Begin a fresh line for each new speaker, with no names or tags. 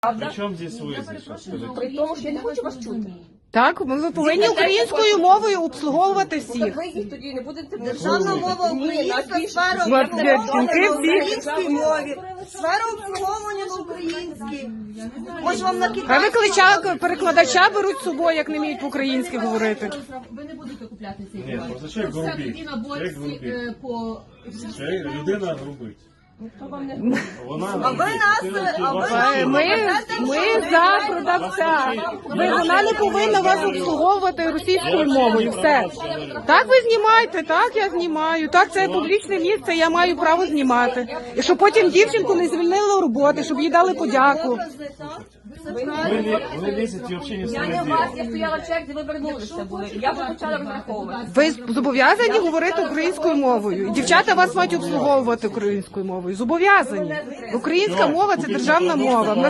Причому здесь ви?
При тому, що я не хочу вас чути.
Так, ми повинні українською мовою обслуговувати всіх.
Ви їх тоді не будете
Державна мова українська, сфера
От,
обслуговування
жінки
на
всі.
українській мові, сфера обслуговування на українській. Може вам на
А
китайській?
перекладача беруть з собою, як не вміють по-українськи говорити.
Ви не будете купляти цей
Ні,
товар.
просто чоловік
Це
грубить.
тоді на
Чоловік
борці
грубить.
по...
Людина грубить. Вона
А ви
Ми за продавця. Вона не повинна вас обслуговувати російською мовою. Все. Так ви знімаєте, так я знімаю. Так, це публічне місце, я маю право знімати. І щоб потім дівчинку не звільнили у роботи, щоб їй дали подяку.
Вони лізуть і взагалі не
Я не
стоять.
вас, я стояла в черзі, ви вернулися були. Я вже почала розраховувати.
Ви зобов'язані говорити українською мовою. І дівчата вас мають обслуговувати українською мовою. Зобов'язані. Українська мова – це державна мова.